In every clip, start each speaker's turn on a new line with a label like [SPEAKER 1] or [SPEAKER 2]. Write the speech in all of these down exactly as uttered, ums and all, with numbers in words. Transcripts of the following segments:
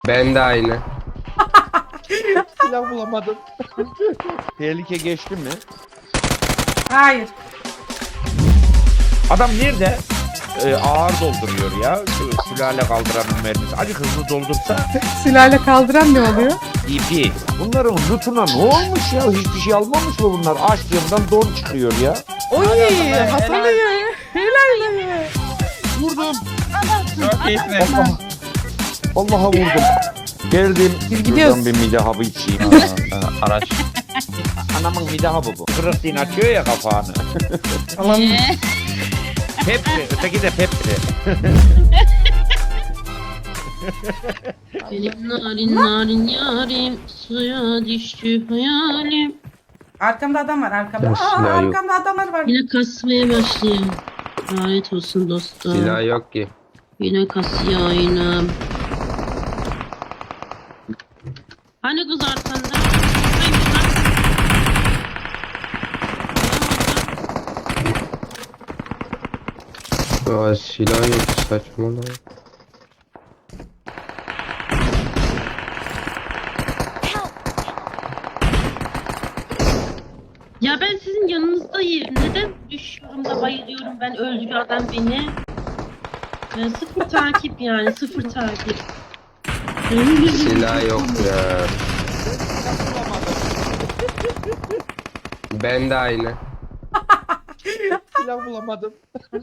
[SPEAKER 1] Ben de aynı.
[SPEAKER 2] Silah bulamadım. Tehlike geçti mi?
[SPEAKER 3] Hayır.
[SPEAKER 2] Adam nerede? Ee, ağır dolduruyor ya. Şu sülale kaldıranın mermisi. Hadi hızlı doldursa.
[SPEAKER 3] Sülale kaldıran ne oluyor?
[SPEAKER 2] İpi. Bunların lootuna ne olmuş ya? Hiçbir şey almamış mı bunlar? Açtığımdan don çıkıyor ya.
[SPEAKER 3] Oy Hasan ya. Helal be.
[SPEAKER 2] Vurdum.
[SPEAKER 4] Çok iyisin.
[SPEAKER 2] Allah. Allah'a vurdum. Geldim.
[SPEAKER 3] Biz gidiyoruz.
[SPEAKER 2] Şuradan bir mide hapı içeyim.
[SPEAKER 4] Araç.
[SPEAKER 2] Anamın mide hapı bu. Kırık din açıyor ya kapağını.
[SPEAKER 3] Aman.
[SPEAKER 2] Pepsi. Öteki de Pepsi.
[SPEAKER 5] Benim narin narin yarim suya düştü hayalim.
[SPEAKER 3] Arkamda adam var arkamda.
[SPEAKER 1] Ya,
[SPEAKER 3] Aa,
[SPEAKER 1] silah yok.
[SPEAKER 3] arkamda adamlar var.
[SPEAKER 5] Yine kasmaya başlıyor. Lanet olsun dostum.
[SPEAKER 1] Silah yok ki.
[SPEAKER 5] Yine kasıyor aynam. Hani kız arkanda? Hayır, bak.
[SPEAKER 1] Aa, silah yok, saçmalama.
[SPEAKER 5] Ya ben sizin yanınızdayım. Neden düşüyorum da bayılıyorum, ben öldürüyor adam beni. Ben sıfır takip yani, sıfır takip.
[SPEAKER 1] Silah yok ya. Ben de aynı.
[SPEAKER 2] Silah bulamadım.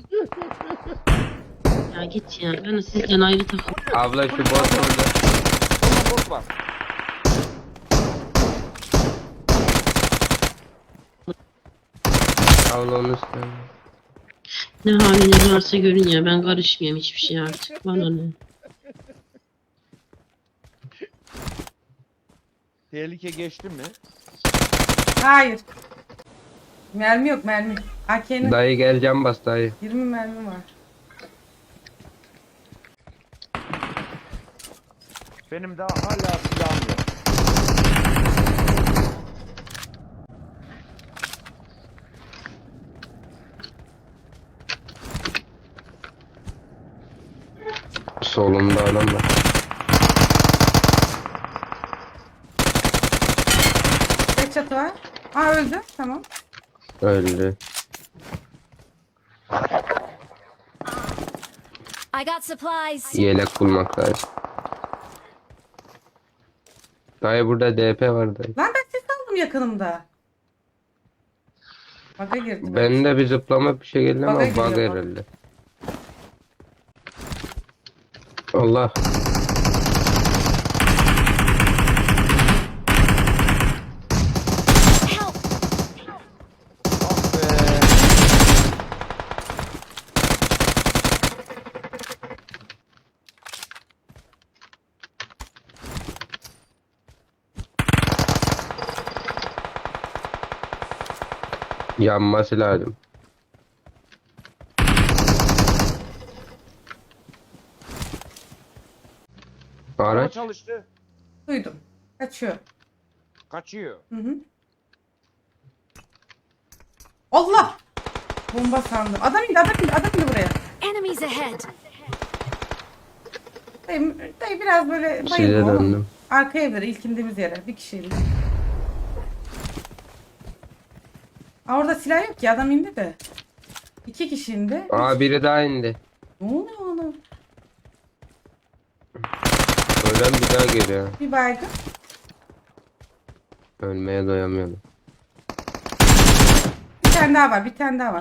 [SPEAKER 5] Ya git ya, ben de sizden ayrı takım.
[SPEAKER 1] Abla şu bot orada.
[SPEAKER 2] Bot var.
[SPEAKER 1] Abla onu istedim.
[SPEAKER 5] Ne haliniz varsa görün ya, ben karışmıyorum hiçbir şey artık. Bana ne?
[SPEAKER 2] Tehlike geçti mi?
[SPEAKER 3] Hayır. Mermi yok mermi. A K'nin
[SPEAKER 1] Dayı gel, cam bas dayı.
[SPEAKER 3] yirmi mermi var.
[SPEAKER 2] Benim daha hala silahım yok.
[SPEAKER 1] Solumda adam var.
[SPEAKER 3] Tek çatı var. Aa öldü. Tamam.
[SPEAKER 1] Öldü.
[SPEAKER 6] I got supplies.
[SPEAKER 1] Yelek bulmak lazım. Dayı burada D P var dayı.
[SPEAKER 3] Lan ben ses aldım yakınımda. Bug'a girdi.
[SPEAKER 1] Ben de bir zıplama bir şey geldi ama
[SPEAKER 3] Bug'a
[SPEAKER 1] bug
[SPEAKER 3] giriyor bak.
[SPEAKER 1] herhalde. Allah.
[SPEAKER 6] Help!
[SPEAKER 2] Ah be.
[SPEAKER 1] Yanması lazım.
[SPEAKER 2] Araba
[SPEAKER 1] Araç.
[SPEAKER 2] çalıştı.
[SPEAKER 3] Duydum. Kaçıyor.
[SPEAKER 2] Kaçıyor.
[SPEAKER 3] Hı hı. Allah! Bomba sandım. Adam indi, adam indi, adam indi buraya.
[SPEAKER 6] Enemies ahead.
[SPEAKER 3] Dayı, dayı biraz böyle
[SPEAKER 1] Size
[SPEAKER 3] bayılma.
[SPEAKER 1] döndüm.
[SPEAKER 3] Arka evlere, ilk indiğimiz yere. Bir kişiyle. Aa, orada silah yok ki, adam indi de. İki kişi indi.
[SPEAKER 1] Aa, biri daha indi.
[SPEAKER 3] Ne oluyor oğlum?
[SPEAKER 1] Ölen bir daha geliyor.
[SPEAKER 3] Bir baygın.
[SPEAKER 1] Ölmeye doyamıyorum.
[SPEAKER 3] Bir tane daha var, bir tane daha var.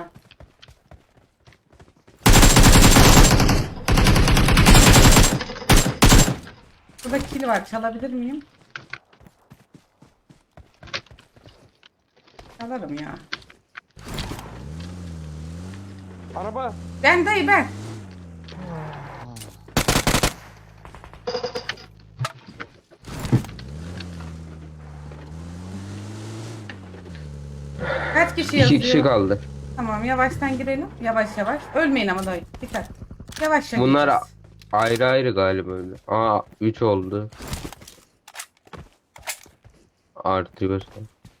[SPEAKER 3] Burada kill var, çalabilir miyim? Çalarım ya.
[SPEAKER 2] Araba.
[SPEAKER 3] Ben dayı ben. Kaç kişi yazıyor?
[SPEAKER 1] İki kişi kaldı.
[SPEAKER 3] Tamam yavaştan girelim. Yavaş yavaş. Ölmeyin ama dayı. Dikkat. Yavaş yavaş.
[SPEAKER 1] Bunlar
[SPEAKER 3] gideceğiz.
[SPEAKER 1] ayrı ayrı galiba öyle. Aa, üç oldu. Artıyor.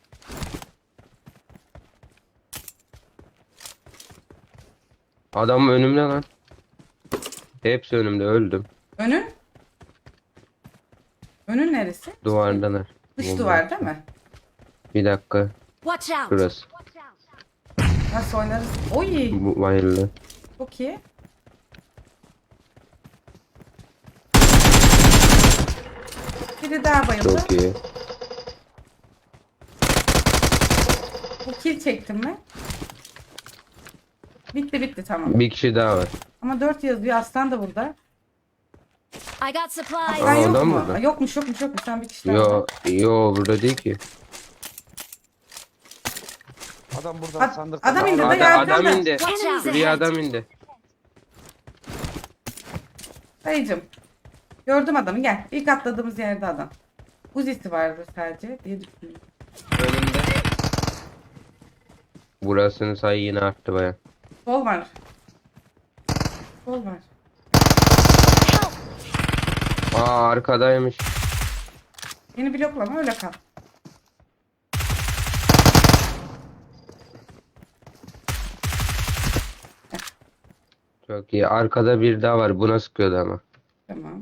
[SPEAKER 1] Adam önümde lan. Hepsi önümde, öldüm.
[SPEAKER 3] Önün? Önün neresi?
[SPEAKER 1] Duvardalar.
[SPEAKER 3] Dış
[SPEAKER 1] Bomba.
[SPEAKER 3] duvar değil mi?
[SPEAKER 1] Bir dakika.
[SPEAKER 6] Watch out!
[SPEAKER 1] Şurası.
[SPEAKER 3] Nasıl oynarız? Oy.
[SPEAKER 1] Bu bayıldı.
[SPEAKER 3] Çok iyi. Biri daha bayıldı.
[SPEAKER 1] Çok iyi.
[SPEAKER 3] Bu kill çektim mi? Bitti bitti tamam.
[SPEAKER 1] Bir kişi daha var.
[SPEAKER 3] Ama dört yazıyor. Aslan da burada.
[SPEAKER 6] I got supplies.
[SPEAKER 3] Aslan
[SPEAKER 1] Aa,
[SPEAKER 3] yok
[SPEAKER 1] adam
[SPEAKER 3] mu?
[SPEAKER 1] burada.
[SPEAKER 3] Aa, Yokmuş yokmuş yokmuş. Sen bir kişi daha
[SPEAKER 1] Yo,
[SPEAKER 3] var.
[SPEAKER 1] yo burada değil ki.
[SPEAKER 2] Adam burada
[SPEAKER 3] Ad-
[SPEAKER 2] sandıkta.
[SPEAKER 3] adam indi de
[SPEAKER 1] Adam,
[SPEAKER 3] yardım
[SPEAKER 1] adam
[SPEAKER 3] da.
[SPEAKER 1] indi.
[SPEAKER 6] Watch out!
[SPEAKER 1] Şuraya adam indi.
[SPEAKER 3] Dayıcım. Gördüm adamı gel. İlk atladığımız yerde adam. Uzisi vardı sadece diye düşünüyorum.
[SPEAKER 1] Önümde. Burasının sayı yine arttı baya.
[SPEAKER 3] Sol var. Sol var.
[SPEAKER 1] Aa arkadaymış.
[SPEAKER 3] Yeni bloklama öyle kal.
[SPEAKER 1] Çok iyi. Arkada bir daha var. Buna sıkıyordu ama.
[SPEAKER 3] Tamam.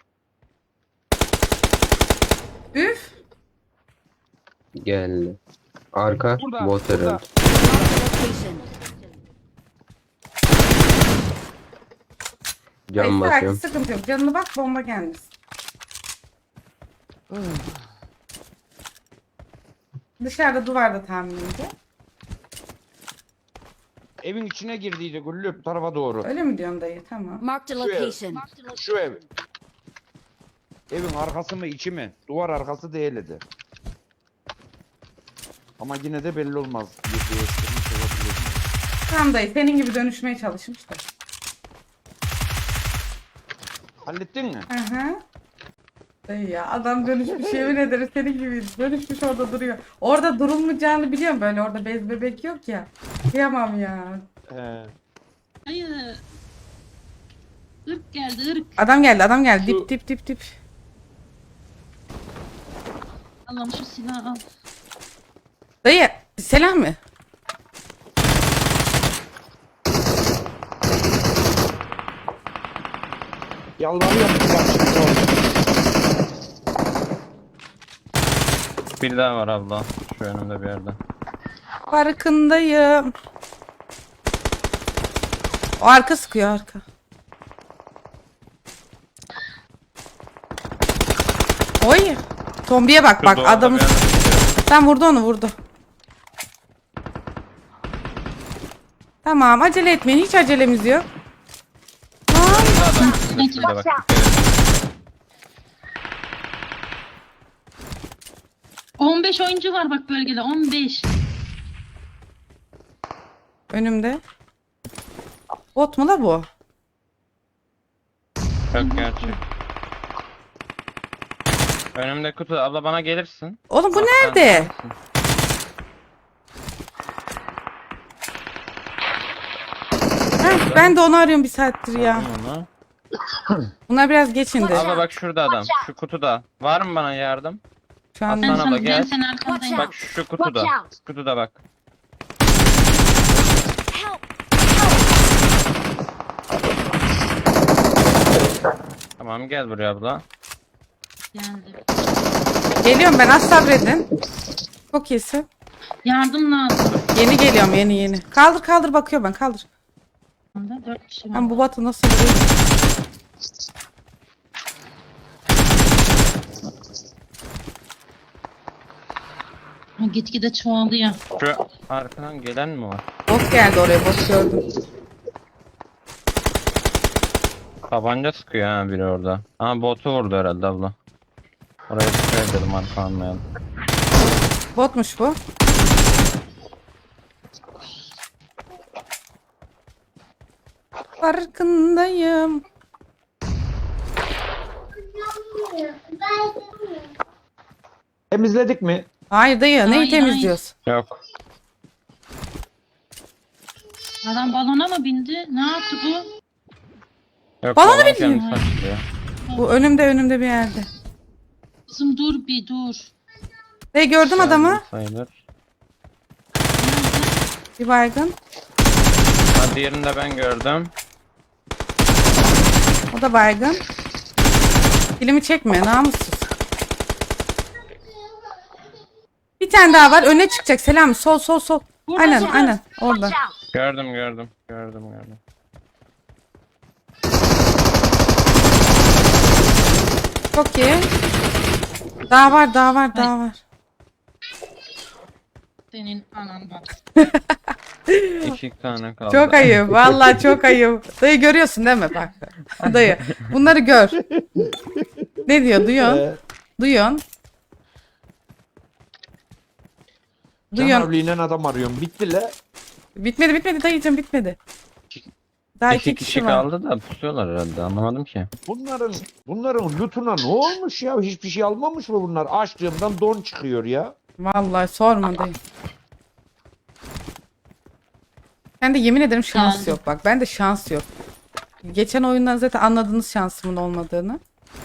[SPEAKER 3] Üf.
[SPEAKER 1] Geldi. Arka
[SPEAKER 2] Burada,
[SPEAKER 1] bot
[SPEAKER 2] burada.
[SPEAKER 1] herhalde.
[SPEAKER 6] Location.
[SPEAKER 1] Cam
[SPEAKER 3] Hayır,
[SPEAKER 1] basıyorum.
[SPEAKER 3] sıkıntı yok. Canını bak bomba gelmiş. Dışarıda duvarda tahminimce.
[SPEAKER 2] Evin içine girdiydi Güllü bu tarafa doğru.
[SPEAKER 3] Öyle mi diyorsun dayı? Tamam.
[SPEAKER 6] Marked a
[SPEAKER 2] Şu ev.
[SPEAKER 6] location.
[SPEAKER 2] Şu ev. Evin arkası mı içi mi? Duvar arkası değildi. Ama yine de belli olmaz. Bir değiştirmiş olabilir.
[SPEAKER 3] Tamam dayı. Senin gibi dönüşmeye çalışmış da.
[SPEAKER 2] Hallettin mi?
[SPEAKER 3] Hı hı. Dayı ya adam dönüşmüş yemin ederim senin gibi dönüşmüş orada duruyor. Orada durulmayacağını biliyorum böyle orada bez bebek yok ya. Kıyamam ya.
[SPEAKER 2] He.
[SPEAKER 5] Hayır. Irk geldi ırk.
[SPEAKER 3] Adam geldi adam geldi
[SPEAKER 2] Şu-
[SPEAKER 3] dip dip dip dip.
[SPEAKER 5] Allah'ım şu silahı al.
[SPEAKER 3] Dayı selam mı?
[SPEAKER 2] Yalvarıyorum bak şimdi orada.
[SPEAKER 4] Bir daha var abla. Şu önümde bir yerde.
[SPEAKER 3] Farkındayım. O arka sıkıyor arka. Oy. Tombiye bak
[SPEAKER 4] Şu
[SPEAKER 3] bak
[SPEAKER 4] doğada
[SPEAKER 3] adamı.
[SPEAKER 4] bir yerde tutuyor.
[SPEAKER 3] Sen vurdu onu vurdu. Tamam acele etmeyin hiç acelemiz yok.
[SPEAKER 4] Adam şurada, şurada bak. dikkat edin.
[SPEAKER 5] on beş oyuncu var bak bölgede on beş.
[SPEAKER 3] Önümde. Bot mu la bu?
[SPEAKER 4] Çok gerçek. Önümde kutu. Abla bana gelirsin.
[SPEAKER 3] Oğlum bu
[SPEAKER 4] Bak, sen
[SPEAKER 3] nerede?
[SPEAKER 4] gelirsin.
[SPEAKER 3] Heh, ben de onu arıyorum bir saattir ya.
[SPEAKER 4] Aldım onu.
[SPEAKER 3] Bunlar biraz geçindi.
[SPEAKER 4] Abla bak şurada adam. Şu kutuda. Var mı bana yardım?
[SPEAKER 3] Şu an
[SPEAKER 5] Ben
[SPEAKER 4] Aslan abla
[SPEAKER 5] sana ben
[SPEAKER 4] gel.
[SPEAKER 5] senin arkandayım.
[SPEAKER 4] Bak şu kutuda.
[SPEAKER 6] Watch out.
[SPEAKER 4] Kutuda bak.
[SPEAKER 6] Help!
[SPEAKER 4] Tamam gel buraya abla.
[SPEAKER 5] Geldi.
[SPEAKER 3] geliyorum ben az sabredin. Çok iyisin.
[SPEAKER 5] Yardım lazım.
[SPEAKER 3] Yeni geliyorum yeni yeni. Kaldır kaldır bakıyor ben kaldır.
[SPEAKER 5] Dört kişi var.
[SPEAKER 3] Ben bu batı nasıl vuruyor?
[SPEAKER 5] Ha, Gitgide çoğalıyor.
[SPEAKER 4] Şu arkadan gelen mi var?
[SPEAKER 3] Bot geldi oraya bot gördüm.
[SPEAKER 4] Tabanca sıkıyor ha biri orada. Ha botu vurdu herhalde abla. Oraya dikkat edelim arka almayalım.
[SPEAKER 3] Botmuş bu. Farkındayım.
[SPEAKER 2] Temizledik mi?
[SPEAKER 3] Hayır dayı neyi
[SPEAKER 5] Hayır,
[SPEAKER 3] temizliyoruz?
[SPEAKER 4] Yok.
[SPEAKER 5] Adam balona mı bindi? Ne yaptı bu?
[SPEAKER 4] Yok
[SPEAKER 3] Balonu
[SPEAKER 4] balon
[SPEAKER 3] bilmiyor.
[SPEAKER 4] kendisi açılıyor.
[SPEAKER 3] Bu önümde önümde bir yerde.
[SPEAKER 5] Kızım dur bir dur.
[SPEAKER 3] Dayı gördüm adamı.
[SPEAKER 4] Sayılır.
[SPEAKER 3] Bir baygın.
[SPEAKER 4] Ha diğerini de ben gördüm.
[SPEAKER 3] O da baygın. Dilimi çekme namussuz. Bir tane daha var. Öne çıkacak. Selam. Sol sol sol.
[SPEAKER 5] Burada,
[SPEAKER 3] Aynen
[SPEAKER 5] burada.
[SPEAKER 3] aynen. Orada.
[SPEAKER 6] Watch out!
[SPEAKER 4] Gördüm gördüm. Gördüm gördüm.
[SPEAKER 3] Çok iyi. Daha var daha var daha var.
[SPEAKER 5] Senin anandan.
[SPEAKER 4] İki tane kaldı.
[SPEAKER 3] Çok ayıp. Vallahi çok ayıp. Dayı görüyorsun değil mi? Bak. Dayı. Bunları gör. Ne diyor? Duyuyorsun.
[SPEAKER 2] Ee,
[SPEAKER 3] Duyuyorsun. Duyuyorsun.
[SPEAKER 2] Canavliyle adam arıyorum. Bitti la.
[SPEAKER 3] Bitmedi bitmedi dayıcım bitmedi. Daha iki,
[SPEAKER 4] İki
[SPEAKER 3] kişi,
[SPEAKER 4] kişi
[SPEAKER 3] var.
[SPEAKER 4] kaldı da pusuyorlar herhalde, anlamadım ki.
[SPEAKER 2] Bunların bunların lootuna ne olmuş ya? Hiçbir şey almamış mı bunlar? Açtığımdan don çıkıyor ya.
[SPEAKER 3] Vallahi sorma dayı. Ben de yemin ederim şans
[SPEAKER 5] Yani.
[SPEAKER 3] yok bak. Ben de şans yok. Geçen oyundan zaten anladınız şansımın olmadığını.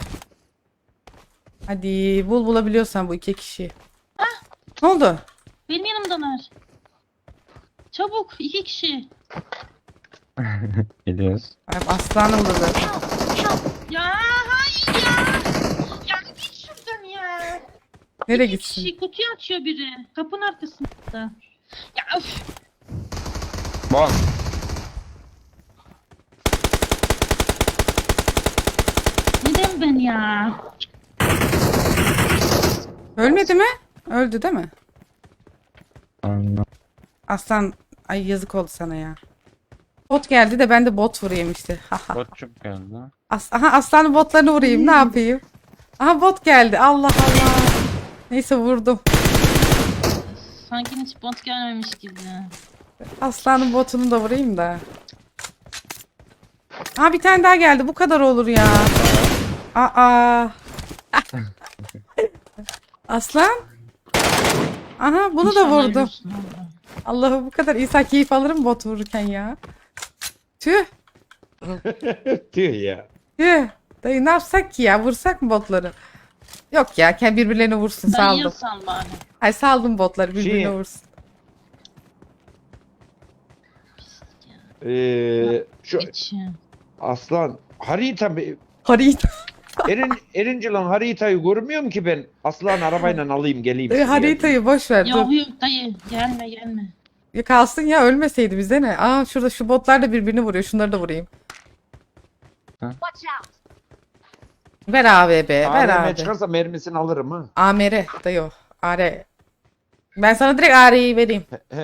[SPEAKER 3] Hadi bul bulabiliyorsan bu iki kişiyi. Ne oldu?
[SPEAKER 5] Benim yanımdalar. Çabuk iki kişi.
[SPEAKER 4] Gidiyoruz.
[SPEAKER 3] Ay, aslanım da zaten.
[SPEAKER 5] Ya hayır ya. Ya git şuradan ya.
[SPEAKER 3] Nereye
[SPEAKER 5] İki
[SPEAKER 3] gitsin?
[SPEAKER 5] kişi kutuyu açıyor biri. Kapının arkasında. Ya öf.
[SPEAKER 4] Bom.
[SPEAKER 5] Neden ben ya?
[SPEAKER 3] Ölmedi mi? Öldü değil mi?
[SPEAKER 4] Anladım.
[SPEAKER 3] Aslan ay yazık oldu sana ya. Bot geldi de ben de bot vurayım işte. Haha.
[SPEAKER 4] Botçuk geldi.
[SPEAKER 3] As Aha aslanın botlarını vurayım ne yapayım? Aha bot geldi Allah Allah. Neyse vurdum.
[SPEAKER 5] Sanki hiç bot gelmemiş gibi.
[SPEAKER 3] Aslanın botunu da vurayım da. Aha bir tane daha geldi bu kadar olur ya. Aa. Aslan. Aha bunu da
[SPEAKER 5] İnşallah
[SPEAKER 3] vurdum.
[SPEAKER 5] ölürsün abla.
[SPEAKER 3] Allah'ım bu kadar insan keyif alırım bot vururken ya. Tüh.
[SPEAKER 2] Tüh ya.
[SPEAKER 3] Tüh. Dayı ne yapsak ki ya? Vursak mı botları? Yok ya kendi birbirlerine vursun
[SPEAKER 5] Dayıya
[SPEAKER 3] saldım.
[SPEAKER 5] sal bari.
[SPEAKER 3] Ay saldım botları birbirine
[SPEAKER 2] Şey-
[SPEAKER 3] vursun.
[SPEAKER 2] Ee, şu
[SPEAKER 5] Hiç.
[SPEAKER 2] aslan harita be-
[SPEAKER 3] Harita.
[SPEAKER 2] Erin Erincil'in haritayı görmüyorum ki ben. Aslan arabayla alayım geleyim.
[SPEAKER 3] Dayı
[SPEAKER 2] size.
[SPEAKER 3] haritayı boş ver dur.
[SPEAKER 5] Yok yok dayı gelme gelme.
[SPEAKER 3] Ya kalsın ya ölmeseydi bize ne? Aa şurada şu botlar da birbirini vuruyor. Şunları da vurayım.
[SPEAKER 6] Watch out!
[SPEAKER 3] Ver A V B. Ver
[SPEAKER 2] A V M
[SPEAKER 3] abi.
[SPEAKER 2] çıkarsa mermisini alırım ha.
[SPEAKER 3] A M R dayı o. A R. Ben sana direkt A R'yi vereyim.
[SPEAKER 2] He.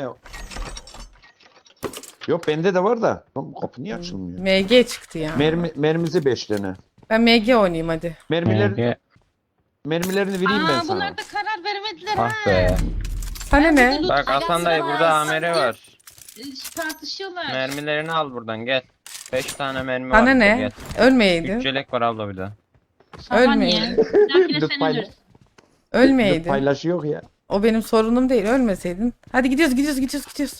[SPEAKER 2] Yok bende de var da. Lan bu kapı niye açılmıyor?
[SPEAKER 3] M G çıktı ya.
[SPEAKER 2] Mermi, mermisi beş tane.
[SPEAKER 3] Ben M G oynayayım hadi.
[SPEAKER 2] Mermiler,
[SPEAKER 4] Ege.
[SPEAKER 2] mermilerini vereyim ben
[SPEAKER 5] Aa
[SPEAKER 2] sana.
[SPEAKER 5] bunlar da karar veremediler
[SPEAKER 4] Ah
[SPEAKER 5] ha.
[SPEAKER 4] be.
[SPEAKER 3] Sana ne?
[SPEAKER 5] Dur,
[SPEAKER 4] Bak Hasan dayı burada A M R var.
[SPEAKER 5] Ee, Tartışıyorlar.
[SPEAKER 4] Mermilerini al buradan gel. Beş tane mermi var.
[SPEAKER 3] Sana
[SPEAKER 4] burada,
[SPEAKER 3] ne?
[SPEAKER 4] Gel.
[SPEAKER 3] Ölmeyeydin.
[SPEAKER 4] Üç yelek var abla bir de.
[SPEAKER 5] Sana
[SPEAKER 3] Ölmeyin.
[SPEAKER 5] niye? Bir dahakine
[SPEAKER 2] Dur,
[SPEAKER 5] sen
[SPEAKER 2] paylaş.
[SPEAKER 5] ölürsün.
[SPEAKER 3] Ölmeyeydin.
[SPEAKER 2] Paylaşı yok ya.
[SPEAKER 3] O benim sorunum değil. Ölmeseydin. Hadi gidiyoruz gidiyoruz gidiyoruz gidiyoruz.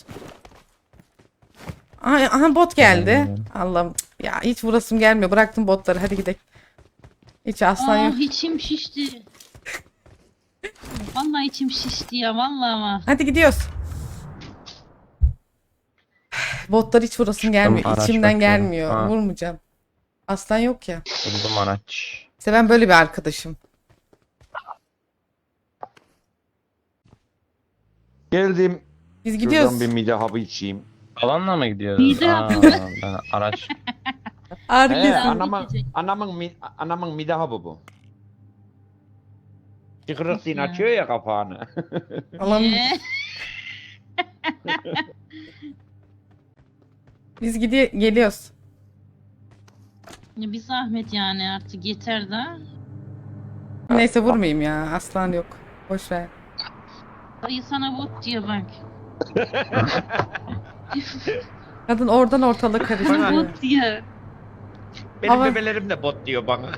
[SPEAKER 3] Aha, aha bot geldi. Allah'ım. Ya hiç vurasım gelmiyor. Bıraktım botları. Hadi gidelim. Hiç aslan
[SPEAKER 5] Aa
[SPEAKER 3] yok.
[SPEAKER 5] içim şişti. Vallahi içim şişti ya vallahi ama.
[SPEAKER 3] Hadi gidiyoruz. Botlar hiç vurasım gelmiyor.
[SPEAKER 4] araç
[SPEAKER 3] İçimden
[SPEAKER 4] bakıyorum.
[SPEAKER 3] gelmiyor.
[SPEAKER 4] Ha.
[SPEAKER 3] Vurmayacağım. Aslan yok ya.
[SPEAKER 4] Buldum araç.
[SPEAKER 3] İşte ben böyle bir arkadaşım.
[SPEAKER 2] Geldim.
[SPEAKER 3] Biz
[SPEAKER 2] Şuradan
[SPEAKER 3] gidiyoruz.
[SPEAKER 2] bir mide hapı içeyim.
[SPEAKER 4] Alanla mı gidiyoruz?
[SPEAKER 5] Mide
[SPEAKER 4] Aa,
[SPEAKER 5] hapı.
[SPEAKER 4] ben araç.
[SPEAKER 3] Ağrı
[SPEAKER 2] He,
[SPEAKER 3] kesin.
[SPEAKER 2] anamın,
[SPEAKER 5] bitecek.
[SPEAKER 2] anamın, mi- anamın mide hapı bu. Çıkırık din
[SPEAKER 5] Ya.
[SPEAKER 2] açıyor ya kapağını.
[SPEAKER 3] Allah'ım.
[SPEAKER 5] Ee,
[SPEAKER 3] Biz gidiyor geliyoruz.
[SPEAKER 5] ya bir zahmet yani artık yeter de.
[SPEAKER 3] Neyse vurmayayım ya. Aslan yok. Boş ver.
[SPEAKER 5] Dayı sana bot diyor bak.
[SPEAKER 3] Kadın oradan ortalığı karıştırıyor.
[SPEAKER 5] Bot diyor.
[SPEAKER 2] Benim
[SPEAKER 3] Ama-
[SPEAKER 2] bebelerim de bot diyor bana.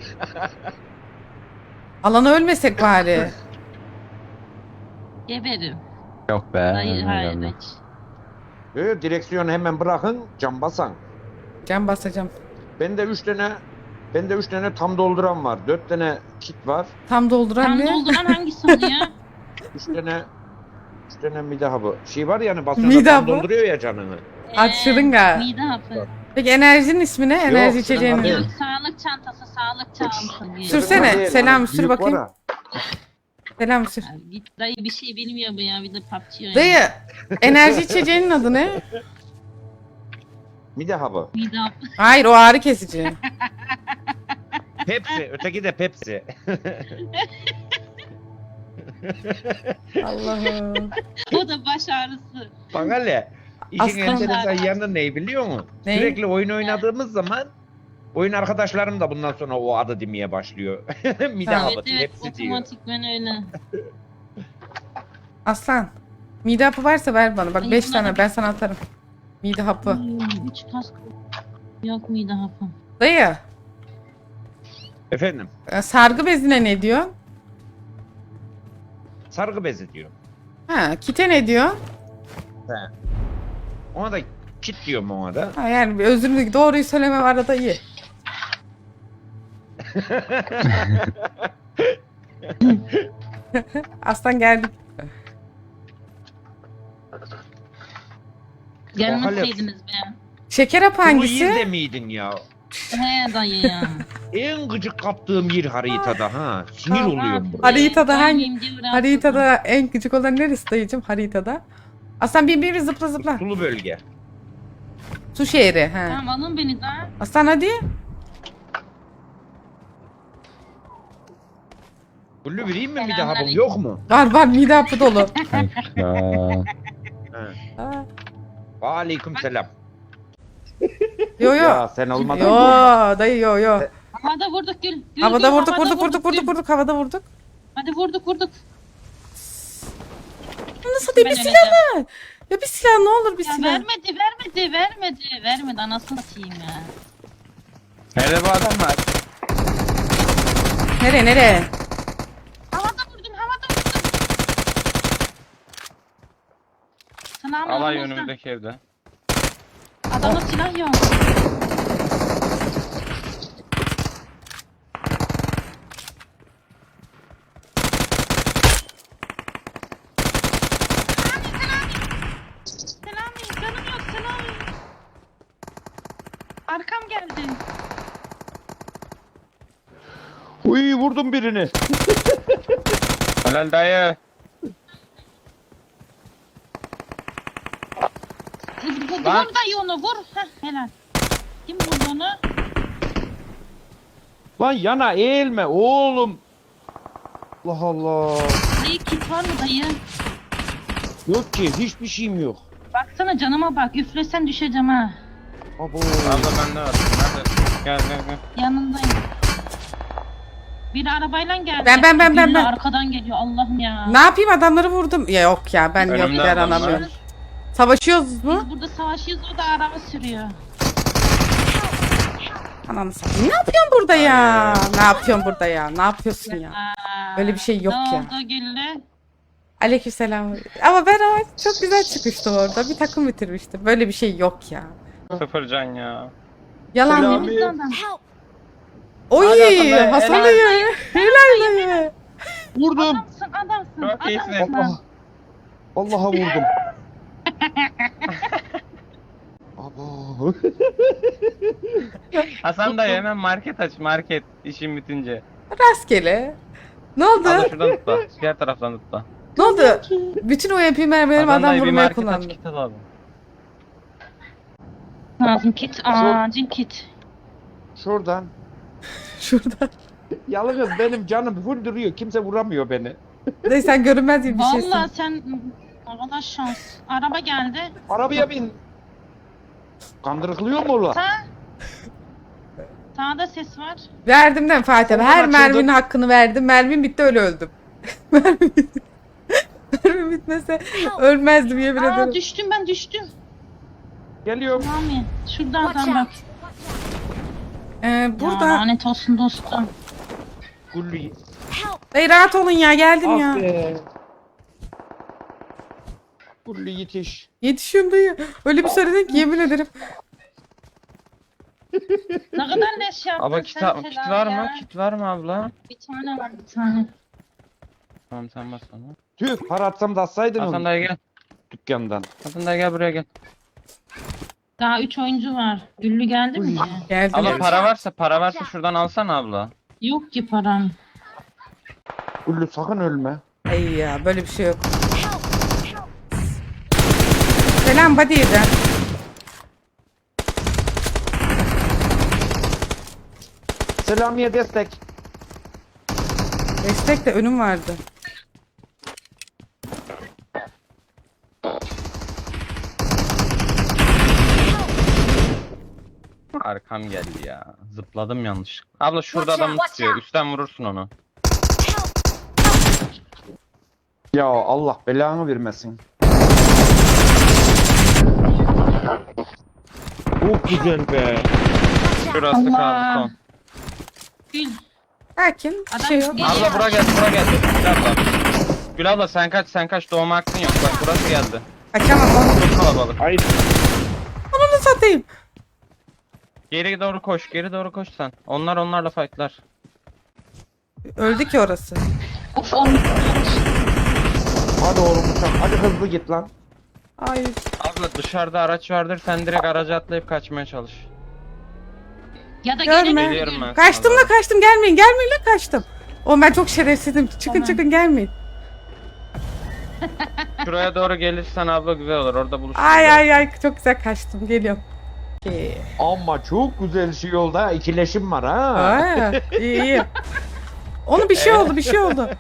[SPEAKER 3] Alana ölmesek bari.
[SPEAKER 5] Geberim.
[SPEAKER 4] Yok be.
[SPEAKER 5] Dayı hayır
[SPEAKER 4] ölmüyorum
[SPEAKER 5] hiç.
[SPEAKER 2] Ee, direksiyonu hemen bırakın, cam basan.
[SPEAKER 3] Can basacağım.
[SPEAKER 2] Bende üç tane bende üç tane tam dolduran var. Dört tane kit var.
[SPEAKER 3] Tam dolduran
[SPEAKER 5] Tam
[SPEAKER 3] ne?
[SPEAKER 5] dolduran hangisi oluyor?
[SPEAKER 2] Üç tane üç tane mide hapı. Şey var yani basıyor
[SPEAKER 3] Mide
[SPEAKER 2] tam
[SPEAKER 3] hapı?
[SPEAKER 2] dolduruyor ya canını.
[SPEAKER 3] Aç şırınga.
[SPEAKER 5] Mide hapı.
[SPEAKER 3] Peki enerjinin ismi ne? Enerji
[SPEAKER 2] Yok,
[SPEAKER 3] içeceğinin.
[SPEAKER 2] şırınga
[SPEAKER 5] Yok
[SPEAKER 2] değil.
[SPEAKER 5] sağlık çantası sağlık çantası diyor.
[SPEAKER 3] Sürsene.
[SPEAKER 2] Değil,
[SPEAKER 3] Selam,
[SPEAKER 2] hani
[SPEAKER 3] sür
[SPEAKER 2] büyük
[SPEAKER 3] bakayım.
[SPEAKER 2] var ha.
[SPEAKER 3] Selam sür.
[SPEAKER 5] Ya git dayı bir şey bilmiyor bu ya bir de P U B G oynuyor.
[SPEAKER 3] Dayı enerji içeceğinin adı ne?
[SPEAKER 2] Bir daha bu.
[SPEAKER 5] Bir daha
[SPEAKER 3] Hayır o ağrı kesici.
[SPEAKER 2] Pepsi. Öteki de Pepsi.
[SPEAKER 3] Allah'ım.
[SPEAKER 5] o da baş ağrısı.
[SPEAKER 2] Bak hele. İşin
[SPEAKER 3] Aslan-
[SPEAKER 2] enteresan yanı ne biliyor musun?
[SPEAKER 3] Ne?
[SPEAKER 2] Sürekli oyun oynadığımız zaman oyun arkadaşlarım da bundan sonra o adı demeye başlıyor. Mide
[SPEAKER 3] Ha.
[SPEAKER 2] hapı,
[SPEAKER 5] Evet evet
[SPEAKER 2] hepsi diyor.
[SPEAKER 5] otomatikmen öyle.
[SPEAKER 3] Aslan. Mide hapı varsa ver bana. Bak
[SPEAKER 5] Ay,
[SPEAKER 3] beş
[SPEAKER 5] bunlar-
[SPEAKER 3] tane ben sana atarım. Mide hapı.
[SPEAKER 5] Hmm, Üç kask. Yok muydu hapım?
[SPEAKER 3] Dayı.
[SPEAKER 2] Efendim,
[SPEAKER 3] e, Sargı bezine ne diyor?
[SPEAKER 2] sargı bezi diyor.
[SPEAKER 3] Ha, kite ne diyor?
[SPEAKER 2] Ona da kit diyorum ona da.
[SPEAKER 3] Ha, yani bir özür dilerim. Doğruyu söylemem arada iyi. Aslan geldik.
[SPEAKER 5] Gelmeseydiniz be.
[SPEAKER 3] Şeker hapı
[SPEAKER 2] Bu
[SPEAKER 3] hangisi?
[SPEAKER 2] yerde miydin ya?
[SPEAKER 5] He dayı ya.
[SPEAKER 2] En gıcık kaptığım yer haritada ha. Sinir
[SPEAKER 3] Tamam.
[SPEAKER 2] oluyorum buraya.
[SPEAKER 3] Haritada hangi-
[SPEAKER 5] Gelmeyeyim diye bıraktım.
[SPEAKER 3] Haritada en küçük olan neresi dayıcım haritada? Aslan bir bir zıpla zıpla.
[SPEAKER 2] Sulu bölge.
[SPEAKER 3] Su şehri. He.
[SPEAKER 5] Tamam alın beni daha.
[SPEAKER 3] Aslan hadi.
[SPEAKER 2] Kullu vereyim mi mide hapım
[SPEAKER 5] Selamünaleyküm.
[SPEAKER 2] yok mu?
[SPEAKER 3] Var var mide hapı dolu.
[SPEAKER 4] Ya.
[SPEAKER 2] Ha.
[SPEAKER 3] Ha.
[SPEAKER 2] Aleyküm selam.
[SPEAKER 3] Yo yo.
[SPEAKER 2] Ya sen olmadan
[SPEAKER 3] Yo
[SPEAKER 2] bu-
[SPEAKER 3] dayı yo yo.
[SPEAKER 5] Havada vurduk gül. Gül,
[SPEAKER 3] Havada
[SPEAKER 5] gül,
[SPEAKER 3] vurduk
[SPEAKER 5] havada
[SPEAKER 3] vurduk vurduk vurduk
[SPEAKER 5] gül.
[SPEAKER 3] vurduk havada vurduk.
[SPEAKER 5] Hadi vurduk vurduk.
[SPEAKER 3] Nasıl değil bir
[SPEAKER 5] Ben
[SPEAKER 3] silah
[SPEAKER 5] öleceğim.
[SPEAKER 3] ver. Ya bir silah ne olur bir
[SPEAKER 5] Ya
[SPEAKER 3] silah.
[SPEAKER 5] vermedi vermedi vermedi. Vermedi anasını satayım ya.
[SPEAKER 4] Nerede bu adamlar?
[SPEAKER 3] Nereye nereye?
[SPEAKER 5] Havada vurdum havada vurdum. Sana
[SPEAKER 4] Alay
[SPEAKER 5] ama
[SPEAKER 4] önümüzdeki evde.
[SPEAKER 5] adamda silah yok. Selami, canım yok Selami. Arkam geldi.
[SPEAKER 2] Uy vurdum birini.
[SPEAKER 4] Helal dayı.
[SPEAKER 5] Vur, vur,
[SPEAKER 4] Lan.
[SPEAKER 5] vur dayı onu vur. Heh, helal. Kim vurdu onu?
[SPEAKER 2] Lan yana eğilme oğlum. Allah Allah.
[SPEAKER 5] Dayı kit var mı dayı?
[SPEAKER 2] Yok ki hiçbir şeyim yok.
[SPEAKER 5] Baksana canıma bak. Üflesen düşeceğim ha.
[SPEAKER 2] Abo.
[SPEAKER 4] Abla bende var. Nerede? Gel gel gel.
[SPEAKER 5] Yanındayım. Biri arabayla geldi.
[SPEAKER 3] Ben, ben, ben, ben,
[SPEAKER 5] Biri
[SPEAKER 3] ben.
[SPEAKER 5] arkadan geliyor Allah'ım ya.
[SPEAKER 3] Ne yapayım adamları vurdum. Ya yok ya ben yok
[SPEAKER 4] Önümde
[SPEAKER 3] der
[SPEAKER 4] adamlar.
[SPEAKER 3] anlamıyorum. Savaşıyoruz mu?
[SPEAKER 5] Biz burada savaşıyoruz o da araba sürüyor.
[SPEAKER 3] Ananı satayım. Ne yapıyorsun burada ya? Ne yapıyorsun burada ya? Ne yapıyorsun ya?
[SPEAKER 5] Aa,
[SPEAKER 3] Böyle bir şey yok
[SPEAKER 5] ne
[SPEAKER 3] ya.
[SPEAKER 5] oldu Güllü?
[SPEAKER 3] Aleykümselam. Ama ben ama çok güzel çıkmıştım orada. Bir takım bitirmiştim. Böyle bir şey yok ya.
[SPEAKER 4] Sıfır can ya.
[SPEAKER 3] Yalan
[SPEAKER 2] Selam.
[SPEAKER 3] değil mi?
[SPEAKER 5] Temizli adam.
[SPEAKER 6] Help!
[SPEAKER 3] Oy
[SPEAKER 4] Hadi Hasan
[SPEAKER 3] Hasan
[SPEAKER 4] Bey,
[SPEAKER 3] dayı. Helal dayı.
[SPEAKER 2] Vurdum.
[SPEAKER 5] Adamsın adamsın.
[SPEAKER 4] Çok iyisin.
[SPEAKER 5] adamsın.
[SPEAKER 2] Allah. Allah'a vurdum. Abo.
[SPEAKER 4] Hasan dayı hemen market aç market işin bitince.
[SPEAKER 3] Rastgele. Ne oldu?
[SPEAKER 4] Abla şuradan tutla. Diğer taraftan tutla.
[SPEAKER 3] Ne oldu? Bütün o yapayım benim
[SPEAKER 4] Hasan
[SPEAKER 3] adam
[SPEAKER 4] dayı bir
[SPEAKER 3] vurmaya
[SPEAKER 4] market aç
[SPEAKER 3] kullandı.
[SPEAKER 4] kit alalım.
[SPEAKER 5] Lazım kit. Acil kit.
[SPEAKER 2] Şuradan.
[SPEAKER 3] Şurada.
[SPEAKER 2] Yalnız benim canım full duruyor. Kimse vuramıyor beni.
[SPEAKER 3] Dayı sen görünmez gibi bir şeysin.
[SPEAKER 5] Vallahi sen arkadaş şans. Araba geldi.
[SPEAKER 2] Arabaya bin. Kandırıklıyor mu ola?
[SPEAKER 5] Sağ. Sağda ses var.
[SPEAKER 3] Verdim de Fatih abi.
[SPEAKER 2] Oradan
[SPEAKER 3] Her
[SPEAKER 2] açıldı.
[SPEAKER 3] merminin hakkını verdim. Mermim bitti öyle öldüm. Mermim bitti. Mermim bitmese ölmezdim yemin
[SPEAKER 5] Aa
[SPEAKER 3] ederim.
[SPEAKER 5] düştüm ben düştüm.
[SPEAKER 2] Geliyorum.
[SPEAKER 5] Rami şurada
[SPEAKER 6] Watch
[SPEAKER 5] adam bak.
[SPEAKER 6] out!
[SPEAKER 3] Ee,
[SPEAKER 5] Ya
[SPEAKER 3] burada.
[SPEAKER 5] lanet olsun dostum.
[SPEAKER 2] Gulli.
[SPEAKER 6] Help!
[SPEAKER 3] Dayı rahat olun ya geldim
[SPEAKER 2] Ah
[SPEAKER 3] ya.
[SPEAKER 2] be. Gulli yetiş.
[SPEAKER 3] Yetişiyorum dayı. Öyle bir söyledin ki yemin ederim.
[SPEAKER 5] Ne kadar leş yaptın
[SPEAKER 4] Abla kit,
[SPEAKER 5] sen
[SPEAKER 4] kit
[SPEAKER 5] Selam
[SPEAKER 4] var
[SPEAKER 5] ya.
[SPEAKER 4] mı? Kit var mı abla?
[SPEAKER 5] Bir tane var bir tane.
[SPEAKER 4] Tamam sen bas bana.
[SPEAKER 2] Tüh para atsam da atsaydın
[SPEAKER 4] Hasan
[SPEAKER 2] onu
[SPEAKER 4] dayı gel.
[SPEAKER 2] dükkandan.
[SPEAKER 4] Hasan dayı gel buraya gel.
[SPEAKER 5] Daha üç oyuncu var. Güllü geldi mi
[SPEAKER 2] Uy.
[SPEAKER 5] ki?
[SPEAKER 3] Geldim.
[SPEAKER 4] Abla
[SPEAKER 3] ya.
[SPEAKER 4] para varsa para varsa şuradan alsana abla.
[SPEAKER 5] Yok ki param.
[SPEAKER 2] Güllü sakın ölme.
[SPEAKER 3] Ay ya böyle bir şey yok. Selam body'den.
[SPEAKER 2] Selamiye destek.
[SPEAKER 3] Destek de önüm vardı.
[SPEAKER 4] Arkam geldi ya. Zıpladım yanlış. Abla şurada
[SPEAKER 6] Watch
[SPEAKER 4] adam
[SPEAKER 6] out, watch
[SPEAKER 4] tutuyor.
[SPEAKER 6] out.
[SPEAKER 4] Üstten vurursun onu.
[SPEAKER 2] Ya Allah belanı vermesin. Çok güzel be.
[SPEAKER 4] Şurası kaldı son.
[SPEAKER 5] Gül.
[SPEAKER 3] Sakin. Bir
[SPEAKER 5] Adam
[SPEAKER 3] şey yok.
[SPEAKER 5] geliyor.
[SPEAKER 4] Abla bura gel, bura gel. Gül abla. Gül abla sen kaç, sen kaç. Doğma hakkın yok. Bak burası geldi.
[SPEAKER 3] Kaçamam onu.
[SPEAKER 4] Çok kalabalık.
[SPEAKER 2] Hayır.
[SPEAKER 3] Onu satayım.
[SPEAKER 4] Geri doğru koş, geri doğru koş sen. Onlar onlarla fightlar.
[SPEAKER 3] Öldü ki orası.
[SPEAKER 5] Of onu.
[SPEAKER 2] Hadi oğlum uçak. Hadi hızlı git lan.
[SPEAKER 3] Ay.
[SPEAKER 4] Abla dışarıda araç vardır. Sen direkt araca atlayıp kaçmaya çalış.
[SPEAKER 5] Ya da
[SPEAKER 3] Görme.
[SPEAKER 5] gelin.
[SPEAKER 4] Geliyorum ben.
[SPEAKER 3] Kaçtım
[SPEAKER 4] sana
[SPEAKER 3] la kaçtım. Gelmeyin. Gelmeyin la kaçtım. Oğlum ben çok şerefsizim. Çıkın
[SPEAKER 5] Tamam.
[SPEAKER 3] çıkın gelmeyin.
[SPEAKER 4] doğru. Şuraya doğru gelirsen abla güzel olur. Orada buluşuruz.
[SPEAKER 3] Ay ay ay çok güzel kaçtım. Geliyorum. Okey.
[SPEAKER 2] Ama çok güzel şey oldu ha. İkileşim var ha.
[SPEAKER 3] Aa, iyi iyi. Onu bir şey oldu bir şey oldu.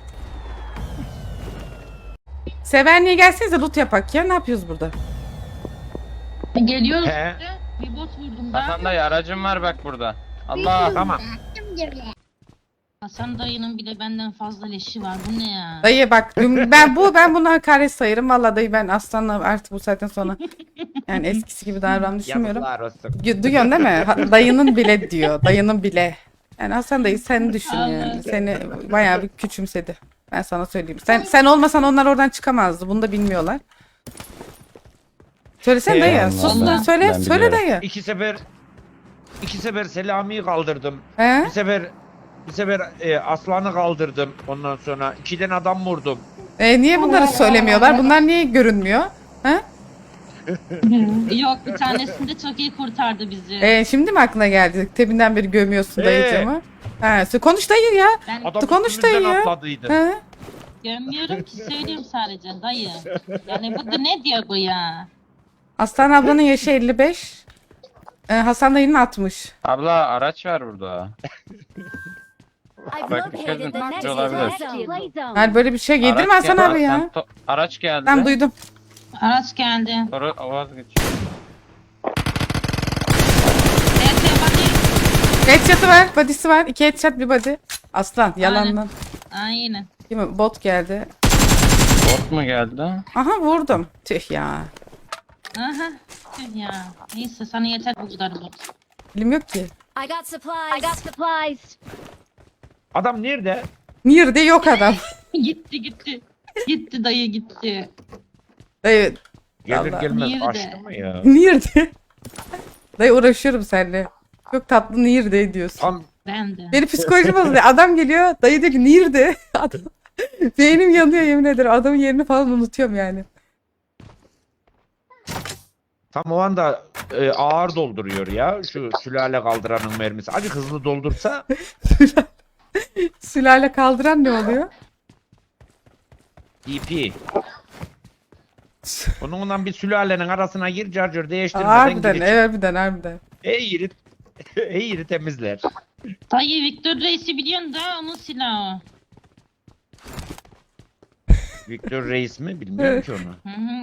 [SPEAKER 3] Sevenliğe gelsenize loot yapak ya. Ne yapıyoruz burada?
[SPEAKER 5] Geliyoruz.
[SPEAKER 2] He.
[SPEAKER 5] Bir bot vurdum ben.
[SPEAKER 4] Hasan dayı aracım var bak burada. Allah.
[SPEAKER 2] Tamam.
[SPEAKER 5] Hasan dayının bile benden fazla leşi var. Bu ne ya?
[SPEAKER 3] Dayı bak dün- ben bu ben buna hakaret sayarım. Vallahi dayı ben aslanla artık bu saatten sonra yani eskisi gibi davranmayı düşünmüyorum.
[SPEAKER 2] Yazıklar olsun.
[SPEAKER 3] Du- Duyuyorsun değil mi? Ha- Dayının bile diyor. Dayının bile. Yani Hasan dayı sen düşün yani. Seni bayağı bir küçümsedi. Ben sana söyleyeyim. Sen sen olmasan onlar oradan çıkamazdı. Bunu da bilmiyorlar. Söylesene dayı.
[SPEAKER 2] Eyvallah.
[SPEAKER 3] Sus lan söyle.
[SPEAKER 4] Ben
[SPEAKER 3] Söyle
[SPEAKER 4] biliyorum.
[SPEAKER 3] dayı.
[SPEAKER 2] İki sefer iki sefer Selami'yi kaldırdım.
[SPEAKER 3] He?
[SPEAKER 2] Bir sefer bir sefer e, Aslan'ı kaldırdım. Ondan sonra ikiden adam vurdum.
[SPEAKER 3] E, niye bunları söylemiyorlar? Bunlar niye görünmüyor? He?
[SPEAKER 5] Yok bir tanesinde çok iyi kurtardı bizi.
[SPEAKER 3] E, şimdi mi aklına geldi? Tebinden beri gömüyorsun
[SPEAKER 2] Ee?
[SPEAKER 3] dayıcığımı. He, sö- konuş dayı ya.
[SPEAKER 5] Ben
[SPEAKER 2] Adam
[SPEAKER 3] Konuş dayı
[SPEAKER 2] üstümüzden
[SPEAKER 3] ya.
[SPEAKER 2] atladıydı.
[SPEAKER 3] He?
[SPEAKER 5] gömüyorum ki söyleyeyim sadece dayı. Yani bu da ne diyor bu ya?
[SPEAKER 3] Aslan ablanın yaşı elli beş. E, Hasan dayının altmış.
[SPEAKER 4] Abla araç var burada.
[SPEAKER 6] I've
[SPEAKER 4] Bak, dikkat edin,
[SPEAKER 6] located the next
[SPEAKER 4] olabilir.
[SPEAKER 6] play zone.
[SPEAKER 3] Yani böyle bir şey yedirme
[SPEAKER 4] Araç
[SPEAKER 3] Hasan
[SPEAKER 4] gel-
[SPEAKER 3] abi ya.
[SPEAKER 4] Sen to- araç geldi.
[SPEAKER 3] Ben duydum.
[SPEAKER 5] Araç geldi.
[SPEAKER 4] Sonra vazgeç.
[SPEAKER 5] Evet hadi.
[SPEAKER 3] Headshot'ı var, body'si var. İki headshot bir body. Aslan yalandan.
[SPEAKER 5] Aynen.
[SPEAKER 3] Değil mi? Bot geldi.
[SPEAKER 4] Bot mu geldi?
[SPEAKER 3] Aha vurdum. Tüh ya.
[SPEAKER 5] Aha. Tüh ya. Neyse sana yeter bu kadar bot.
[SPEAKER 3] Bilim yok ki.
[SPEAKER 6] I got supplies. I got supplies.
[SPEAKER 2] Adam nerede?
[SPEAKER 3] Nerede yok adam.
[SPEAKER 5] gitti gitti. Gitti dayı gitti.
[SPEAKER 3] Dayı,
[SPEAKER 2] Gelir
[SPEAKER 3] Vallahi.
[SPEAKER 2] gelmez
[SPEAKER 5] Nerede?
[SPEAKER 2] açtı mı ya?
[SPEAKER 3] nerede? Dayı uğraşıyorum seninle. Çok tatlı nerede diyorsun.
[SPEAKER 2] Tam
[SPEAKER 5] Ben de.
[SPEAKER 3] Benim psikolojim bozuluyor. Adam geliyor. Dayı diyor ki nerede? Adam. Beynim yanıyor yemin ederim. Adamın yerini falan unutuyorum yani.
[SPEAKER 2] tam o anda e, ağır dolduruyor ya şu sülale kaldıranın mermisi. Acık hızlı doldursa
[SPEAKER 3] Sülale kaldıran ne oluyor?
[SPEAKER 2] D P. Onunla bir sülalenin arasına gir carcır değiştirmeden
[SPEAKER 3] Harbiden,
[SPEAKER 2] gir.
[SPEAKER 3] evet, harbiden, harbiden.
[SPEAKER 2] Ey yeri, ey yeri temizler.
[SPEAKER 5] Dayı Victor Reis'i biliyorsun da onun silahı.
[SPEAKER 2] Victor Reis mi? Bilmiyorum ki onu.
[SPEAKER 5] Hı hı.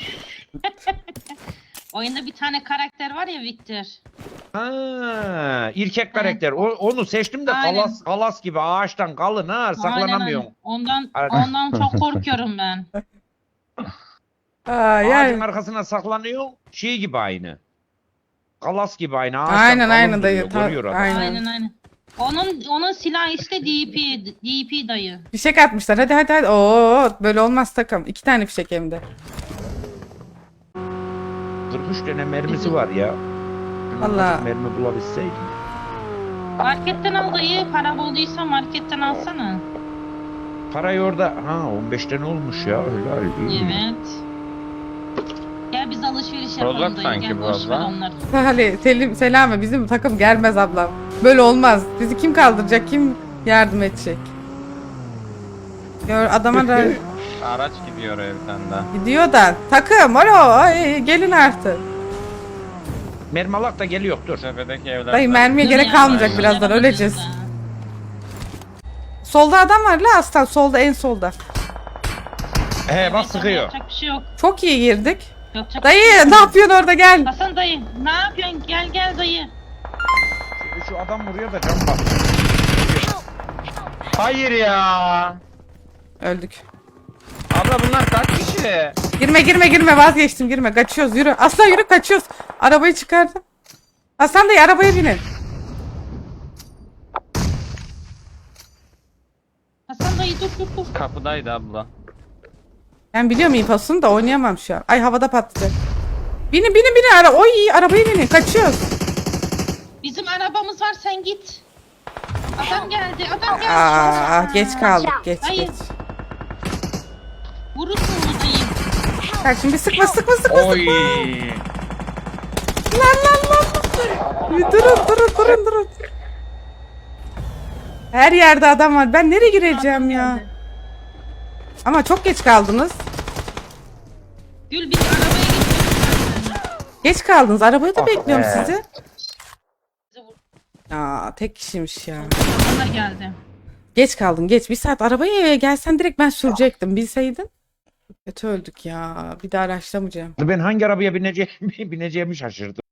[SPEAKER 5] Oyunda bir tane karakter var ya Victor.
[SPEAKER 2] Ha, erkek karakter. O, onu seçtim de
[SPEAKER 5] Aynen.
[SPEAKER 2] kalas kalas gibi ağaçtan kalın ha
[SPEAKER 5] Aynen,
[SPEAKER 2] saklanamıyorum.
[SPEAKER 5] aynen. Ondan
[SPEAKER 2] Aynen.
[SPEAKER 5] ondan çok korkuyorum ben.
[SPEAKER 3] Aa,
[SPEAKER 2] Ağacın
[SPEAKER 3] yani.
[SPEAKER 2] arkasına saklanıyor. Şey gibi aynı. Kalas gibi aynı. Ağaçtan
[SPEAKER 3] Aynen,
[SPEAKER 2] kalın
[SPEAKER 3] aynen
[SPEAKER 2] duruyor,
[SPEAKER 3] dayı, ta-
[SPEAKER 2] görüyor adam.
[SPEAKER 3] aynen.
[SPEAKER 5] Aynen aynen. Onun onun silahı işte D P D P dayı.
[SPEAKER 3] Fişek atmışlar. Hadi hadi hadi. Oo, böyle olmaz takım. İki tane fişek hem de.
[SPEAKER 2] kırk üç tane mermisi var ya.
[SPEAKER 3] Vallahi.
[SPEAKER 2] Mermi bulabilseydim.
[SPEAKER 5] Marketten al dayı. Para bulduysa marketten alsana.
[SPEAKER 2] Parayı orada ha on beş tane olmuş ya helal. iyi.
[SPEAKER 5] Evet. Gel biz alışveriş yapalım
[SPEAKER 4] Rozok
[SPEAKER 5] dayı.
[SPEAKER 4] sanki
[SPEAKER 5] Gel
[SPEAKER 4] bu
[SPEAKER 5] boş ver
[SPEAKER 4] abla.
[SPEAKER 5] onları.
[SPEAKER 3] Hadi Selim, Selami bizim takım gelmez ablam. Böyle olmaz. Bizi kim kaldıracak? Kim yardım edecek? Gör adama da
[SPEAKER 4] Araç gidiyor oraya bir tane daha.
[SPEAKER 3] gidiyor da. Takım alo ay, gelin artık.
[SPEAKER 2] Mermi alak da geliyor dur.
[SPEAKER 4] Tepedeki evler.
[SPEAKER 3] Dayı mermiye gerek
[SPEAKER 5] Ya,
[SPEAKER 3] kalmayacak
[SPEAKER 5] ya,
[SPEAKER 3] birazdan
[SPEAKER 5] ya,
[SPEAKER 3] öleceğiz.
[SPEAKER 5] ya.
[SPEAKER 3] Solda adam var la aslan solda en solda.
[SPEAKER 2] He bak
[SPEAKER 5] Evet,
[SPEAKER 2] sıkıyor.
[SPEAKER 5] Yapacak bir şey yok.
[SPEAKER 3] Çok iyi girdik.
[SPEAKER 5] Yapacak bir şey
[SPEAKER 3] Dayı
[SPEAKER 5] yok.
[SPEAKER 3] ne yapıyorsun orada gel.
[SPEAKER 5] Hasan dayı ne yapıyorsun? Gel gel dayı.
[SPEAKER 2] Şu, şu adam vuruyor da can bak.
[SPEAKER 4] Hayır ya.
[SPEAKER 3] Öldük.
[SPEAKER 4] Abla bunlar kaç kişi?
[SPEAKER 3] Girme girme girme vazgeçtim girme kaçıyoruz yürü. Aslan yürü kaçıyoruz. Arabayı çıkardım. Hasan dayı arabaya binin.
[SPEAKER 5] Hasan dayı dur dur dur.
[SPEAKER 4] Kapıdaydı abla.
[SPEAKER 3] Ben biliyorum infosunu da oynayamam şu an. Ay havada patlayacak. Binin binin binin ara. Oy arabaya binin kaçıyoruz.
[SPEAKER 5] Bizim arabamız var sen git. Adam geldi adam geldi.
[SPEAKER 3] Aa geç kaldık geç
[SPEAKER 5] Hayır.
[SPEAKER 3] geç.
[SPEAKER 5] Vurursun bunu dayı.
[SPEAKER 3] Bak şimdi sıkma sıkma sıkma
[SPEAKER 2] Oy.
[SPEAKER 3] sıkma. Lan lan lan. Bir durun durun durun durun. Her yerde adam var. Ben nereye gireceğim ya? Ama çok geç kaldınız.
[SPEAKER 5] Gül biz arabaya gidiyoruz.
[SPEAKER 3] Geç kaldınız. Arabayı da bekliyorum
[SPEAKER 2] be.
[SPEAKER 3] sizi.
[SPEAKER 5] Bizi vur-
[SPEAKER 3] Aa tek kişiymiş ya.
[SPEAKER 5] Bana geldi.
[SPEAKER 3] Geç kaldın geç. Bir saat arabaya gelsen direkt ben sürecektim. Bilseydin. Kötü öldük ya. Bir daha araçlamayacağım.
[SPEAKER 2] Ben hangi arabaya bineceğimi, bineceğimi şaşırdım.